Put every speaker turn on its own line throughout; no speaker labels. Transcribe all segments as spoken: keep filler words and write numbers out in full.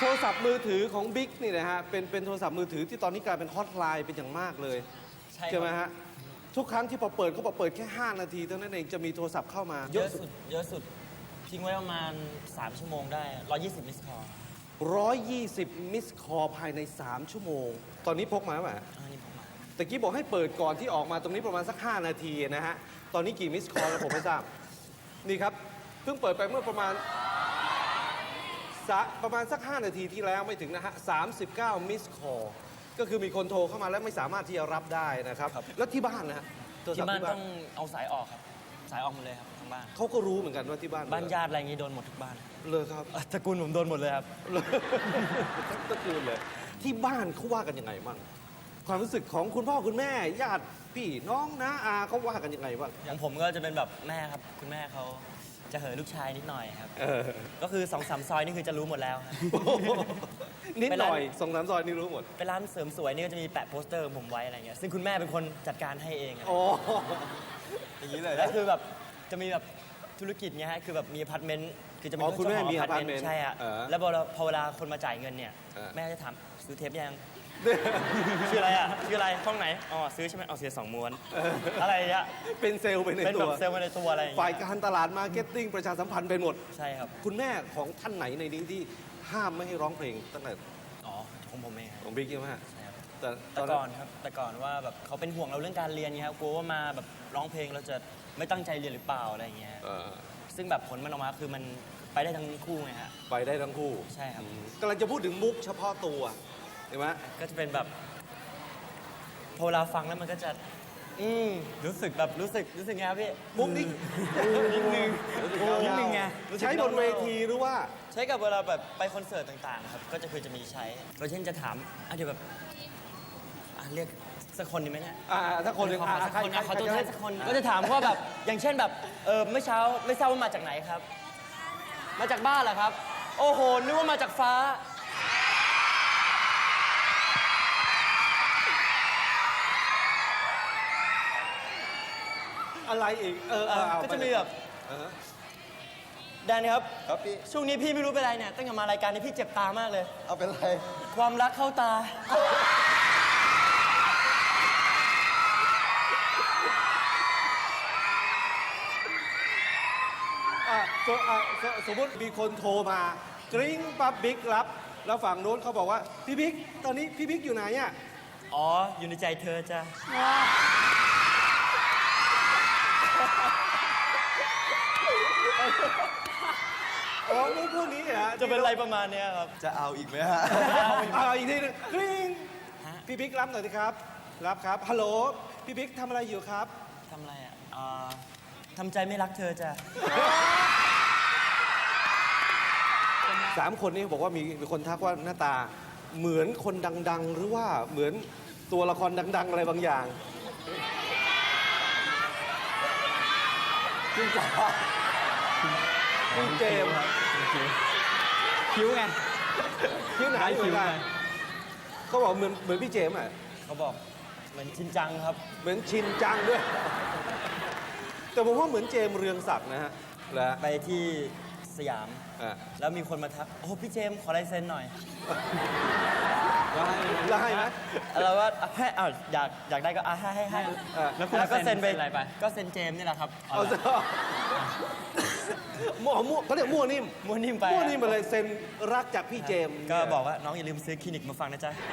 โทรศัพท์มือถือของบิ๊กนี่นะฮะเป็นเป็นโทรศัพท์มือถือที่ตอนนี้กลายเป็นฮอตไลน์เป็นอย่างมากเลยใช่ไหมฮะทุกครั้งที่พอเปิดเขาบอกเปิดแค่ห้านาทีเท่านั้นเองจะมีโทรศัพท์เข้ามา
เยอะสุดเยอะสุดทิ้งไว้ประมาณสามชั่วโมงได้หนึ่งร้อยยี่สิบมิสคอล
ร้อยยี่สิบมิสคอลภายในสามชั่วโมงตอนนี้พกมาไหม
อันนี้ผมมา
ตะกี้บอกให้เปิดก่อนที่ออกมาตรงนี้ประมาณสักห้านาทีนะฮะตอนนี้กี่มิสคอลแล้วผมไม่ทราบนี่ครับเพิ่งเปิดไปเมื่อประมาณประมาณสักห้านาทีที่แล้วไม่ถึงนะฮะสามสิบเก้ามิสคอลก็คือมีคนโทรเข้ามาแล้วไม่สามารถที่จะรับได้นะครับแล้วที่บ้านนะฮะ
ที่บ้านต้องเอาสายออกครับสายออกหมดเลยครับทั้งบ้าน
เขาก็รู้เหมือนกันว่าที่บ้าน
บ้านญาติอะไรอย่างงี้โดนหมดทุกบ้าน
เลยครับ
ตระกูลผมโดนหมดเลยครับ
ตระกูลเลยที่บ้านเขาว่ากันยังไงบ้างความรู้สึกของคุณพ่อคุณแม่ญาติพี่น้องนะอาเขาว่ากันยังไงบ้าง
อย่างผมก็จะเป็นแบบแม่ครับคุณแม่เขาจะเหอะลูกชายนิดหน่อยครับก็คือสองสามซอยนี่คือจะรู้หมดแล้ว
นิดหน่อยสองสามซอยนี่รู้หมด
ไปร้านเสริมสวยนี่ก็จะมีแปะโปสเตอร์ผมไว้อะไรเงี้ยซึ่งคุณแม่เป็นคนจัดการให้เอง
อ๋ออย่างนี้เลย
แล้วคือแบบจะมีแบบธุรกิจเงี้ยฮะคือแบบมีอพาร์ตเมนต์คือจะมี
คุณแม่มีอพาร์ตเมนต์
ใช่ฮะแล้วพอเวลาคนมาจ่ายเงินเนี่ยแม่จะถามซื้อเทปยังชื่ออะไรอ่ะชื่ออะไรห้องไหนอ๋อซื้อใช่ไหมเอาเสียสองม้วนอะไรอ่ะ
เป็นเซลล์ไปในตัว
เป็นแบบเซลล์ไปในตัวอะไร
ฝ่ายการตลาดมาร์เก็ตติ้งประชาสัมพันธ์เป็นหมด
ใช่ครับ
คุณแม่ของท่านไหนในนี้ที่ห้ามไม่ให้ร้องเพลงตั้งแต่
อ๋อของผมเอง
ของบิ๊กใช่ไหม
ใช่ครับแต่แต่ก่อนครับแต่ก่อนว่าแบบเขาเป็นห่วงเราเรื่องการเรียนไงครับกลัวว่ามาแบบร้องเพลงเราจะไม่ตั้งใจเรียนหรือเปล่าอะไรอย่างเงี้ยซึ่งแบบผลมันออกมาคือมันไปได้ทั้งคู่ไงฮะ
ไปได้ทั้งคู่
ใช่ครับ
กำลังจะพูดถึงมุกเฉพาะตัวเห็นไหม
ก็จะเป็นแบบพอเวลาฟังแล้วมันก็จะอืมรู้สึกแบบรู้สึกรู้สึกไงครับพี่
มุกนี้
นิดนึงนิดนึงไง
ใช้บนเวทีหรือว่า
ใช้กับเวลาแบบไปคอนเสิร์ตต่างๆครับก็จะคือจะมีใช้ก็เช่นจะถามอ่ะเดี๋ยวแบบอ่ะเรียกสักคนดีไหมเนี่ย
อ่าถ้าคนหนึ่ง
อ่ะสักคนอ่ะเขาตัวแทนสักคนก็จะถามว่าแบบอย่างเช่นแบบเออเมื่อเช้าไม่ทราบว่ามาจากไหนครับมาจากบ้านเหรอครับโอ้โหนึกว่ามาจากฟ้า
อะไรอีกเออ
ก็จะมีแบบแดนครับครับพี่ช่วงนี้พี่ไม่รู้เป็นไรเนี่ยตั้งแต่มารายการนี้พี่เจ็บตามากเลย
เอาเป็นไร
ความรักเข้าตา
สมมติมีคนโทรมากริ๊งปั๊บบิ๊กรับแล้วฝั่งโน้นเขาบอกว่าพี่บิ๊กตอนนี้พี่บิ๊กอยู่ไหนอ่ะ
อ๋ออยู่ในใจเธอจ้ะ
อ๋อมุกพวกนี้เหรอ
จะเป็นอะไรประมาณนี้ครับ
จะเอาอีกไหมฮะ
เอาอีกทีนึงกริ๊งพี่บิ๊กรับหน่อยสิครับรับครับฮัลโหลพี่บิ๊กทำอะไรอยู่ครับ
ทำอะไรอ่ะทำใจไม่รักเธอจ้ะ
สามคนนี้บอกว่ามีมีคนทักว่าหน้าตาเหมือนคนดังๆหรือว่าเหมือนตัวละครดังๆอะไรบางอย่างจริงจ้ะคุณเจมส์
คิ้วไง
คิ้วไหนเหมือนกันเขาบอกเหมือนเหมือนพี่เจมส์อ่ะ
เขาบอกเหมือนชินจังครับ
เหมือนชินจังด้วยแต่ผมว่าเหมือนเจมส์เรืองศักดิ์นะฮะแล้ว
ไปที่สยามแล้วมีคนมาทักโอ้พี่เจมส์ขอลายเซ็นหน่อย
แล้วให้ไหม
เราว่าให้อ้าวอยากอยากได้ก็อ่ะให้ให้ให้แล้วก็เซ็นไปก็เซ็นเจมส์นี่แหละครับ
เอาซะมั่วมั่วเขาเรียกมั่วนิ่ม
มั่วนิ่มไป
มั่วนิ่มไปเลยเซ็นรักจากพี่เจมส์
ก็บอกว่าน้องอย่าลืมซื้อคลินิกมาฟังนะจ๊ะ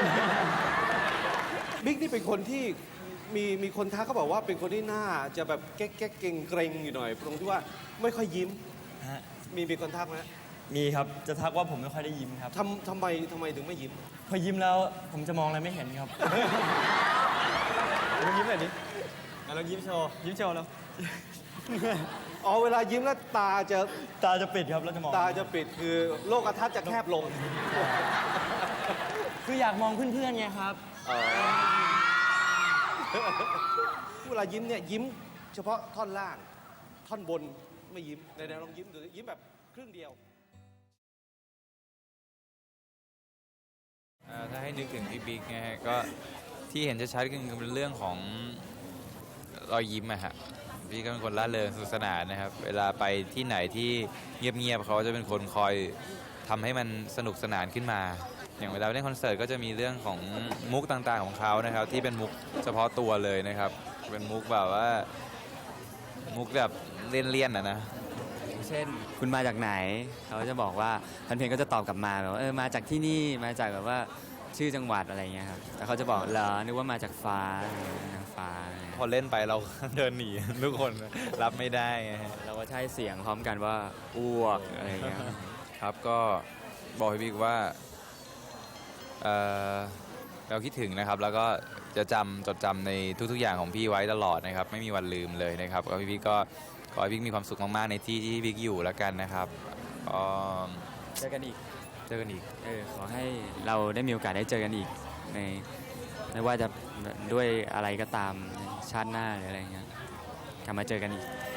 บิ๊กนี่เป็นคนที่มีมีคนทักเขาบอกว่าเป็นคนที่หน้าจะแบบแก๊กแก๊กเก่งเกรงอยู่หน่อยตรงที่ว่าไม่ค่อยยิ้มมีมีคนทักไหม
มีครับจะทักว่าผมไม่ค่อยได้ยิ้มครับ
ทำทำไมทำไมถึงไม่ยิ้ม
พอยิ้มแล้วผมจะมองอะไรไม่เห็นครับลองยิ้มหน่อยดิลองยิ้มโชว์ยิ้มโชว์แล้ว
อ๋อเวลายิ้มแล้วตาจะ
ตาจะปิดครับแล้วจะมอง
ตาจะปิดคือโลกทัศน์จะแคบลง
คืออยากมองเพื่อนๆไงครับ
เวลายิ้มเนี่ยยิ้มเฉพาะท่อนล่างท่อนบนไม่ยิ้มในแนวลองยิ้มดูยิ้มแบบครึ่งเดียว
ถ้าให้นึกถึงพี่บิ๊กนะฮะก็ที่เห็นชัดๆก็คือเป็นเรื่องของรอยยิ้มอะฮะพี่ก็เป็นคนร่าเริงสนุกสนานนะครับเวลาไปที่ไหนที่เงียบๆเขาจะเป็นคนคอยทำให้มันสนุกสนานขึ้นมา อย่างเวลาเล่นคอนเสิร์ตก็จะมีเรื่องของมุกต่างๆของเขานะครับที่เป็นมุกเฉพาะตัวเลยนะครับเป็นมุกแบบว่ามุกแบบเลี่ยนๆนะนะ
เช่นคุณมาจากไหนเขาจะบอกว่าแฟนเพลงก็จะตอบกลับมาแบบว่าเออมาจากที่นี่มาจากแบบว่าชื่อจังหวัดอะไรเงี้ยครับแต่เขาจะบอกเหรอนึกว่ามาจากฟ้านางฟ้าอะไรเงี้ย
พอเล่นไปเรา เดินหนี ทุกคนรับไม่ได้ไงฮะ
เราก็ใช้เสียงพร้อมกันว่าอ้วกอะไรเงี้ย
ครับก็บอกพี่บิ๊กว่าเอ่อเราคิดถึงนะครับแล้วก็จะจำจดจำในทุกๆอย่างของพี่ไว้ตลอดนะครับไม่มีวันลืมเลยนะครับก็พี่บิ๊กก็ขอให้พี่บิ๊กมีความสุขมากๆในที่ที่บิ๊กอยู่แล้วกันนะครับก็
เจอกันอีก
เจอกันอีก
เออขอให้เราได้มีโอกาสได้เจอกันอีกในไม่ว่าจะด้วยอะไรก็ตามในชาติหน้าหรืออะไรเงี้ยกลับมาเจอกันอีก